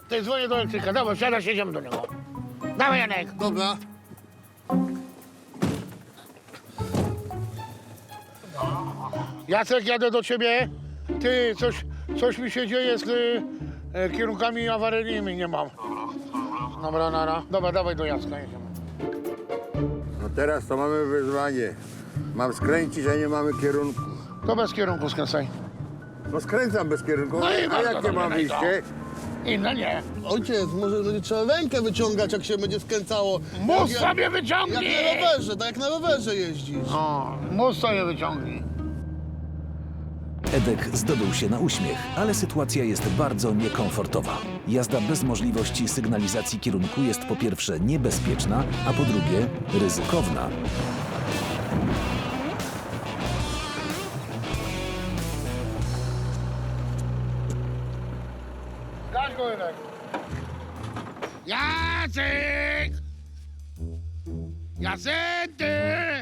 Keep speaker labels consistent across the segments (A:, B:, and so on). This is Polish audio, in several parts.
A: Ty dzwonię do elektryka, dawaj, siadaj, jedziemy do niego. Dawaj, Janek.
B: Dobra.
A: Jacek, jadę do ciebie. Ty, coś mi się dzieje z kierunkami awaryjnymi, nie mam. Dobra, nara. Dobra, dawaj do Jacka, jedziemy.
C: No teraz to mamy wyzwanie. Mam skręcić, a nie mamy kierunku.
A: To bez kierunku skręcaj.
C: No skręcam bez kierunku,
A: No i
C: a
A: bardzo
C: jakie
A: dobrze,
C: mam
A: no i co?
C: wyjście?
A: Inne nie.
B: Ojciec, może będzie trzeba rękę wyciągać, jak się będzie skręcało.
A: Mus
B: Jak-
A: sobie
B: Jak
A: wyciągnij!
B: na rowerze, tak jak na rowerze jeździsz.
A: O, mus sobie wyciągnij.
D: Edek zdobył się na uśmiech, ale sytuacja jest bardzo niekomfortowa. Jazda bez możliwości sygnalizacji kierunku jest po pierwsze niebezpieczna, a po drugie ryzykowna.
A: Gaś go, Janek. Jacek! Jacenty!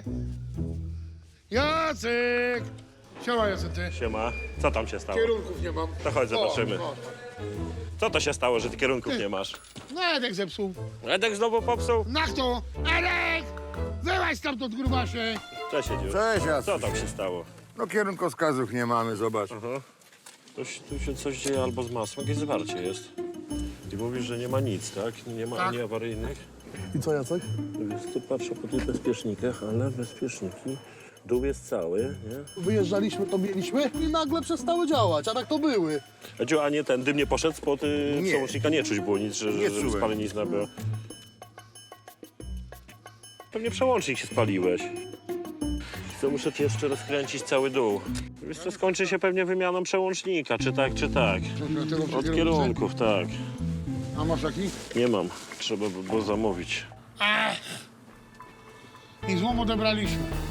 A: Jacek! Siema, Jacenty.
E: Siema, co tam się stało?
A: Kierunków nie mam.
E: To chodź, zobaczymy.
A: O.
E: Co to się stało, że ty kierunków nie masz?
A: No, Edek zepsuł.
E: Edek znowu popsuł?
A: Na kto? Edek! Wyłaź stamtąd, grubasie!
E: Cześć, Edziu.
C: Cześć,
E: Co
C: Jacek.
E: tam się stało?
C: No kierunkowskazów nie mamy, zobacz.
E: Tu się coś dzieje albo z masłem, jakieś zwarcie jest. I mówisz, że nie ma nic, tak? Nie ma
A: Tak.
E: ani awaryjnych.
B: I co, Jacek?
E: Wiesz, tu patrzę po tych bezpiecznikach, ale bezpieczniki, dół jest cały, nie?
B: Wyjeżdżaliśmy, to mieliśmy i nagle przestały działać, a tak to były.
E: Edziu, a nie ten dym nie poszedł spod
C: Nie.
E: przełącznika? Nie czuć było nic, że
C: Nie
E: żeby
C: czułem.
E: spalenizna była. Pewnie przełącznik się spaliłeś. Co, muszę ci jeszcze rozkręcić cały dół. Wiesz co, skończy się pewnie wymianą przełącznika, czy tak, czy tak. Od kierunków, tak.
A: A masz taki?
E: Nie mam, trzeba by było zamówić.
A: I złom odebraliśmy.